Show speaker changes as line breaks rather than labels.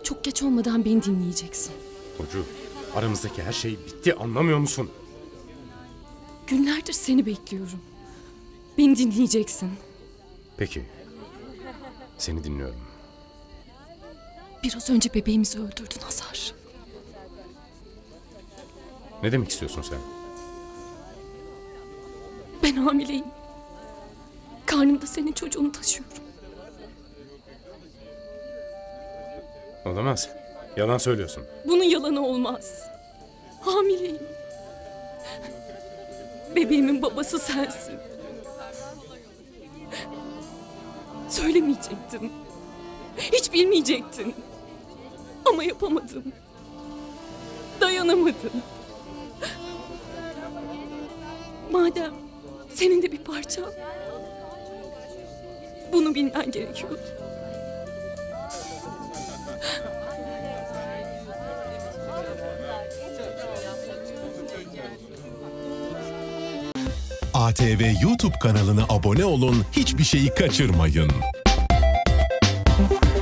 Çok geç olmadan beni dinleyeceksin.
Burcu, aramızdaki her şey bitti, anlamıyor musun?
Günlerdir seni bekliyorum. Beni dinleyeceksin.
Peki. Seni dinliyorum.
Biraz önce bebeğimizi öldürdün Hazar.
Ne demek istiyorsun sen?
Ben hamileyim. Karnımda senin çocuğunu taşıyorum.
Olamaz. Yalan söylüyorsun.
Bunun yalanı olmaz. Hamileyim. Bebeğimin babası sensin. Söylemeyecektim. Hiç bilmeyecektin. Ama yapamadım. Dayanamadım. Madem senin de bir parçan, bunu bilmen gerekiyordu.
ATV YouTube kanalına abone olun, hiçbir şeyi kaçırmayın.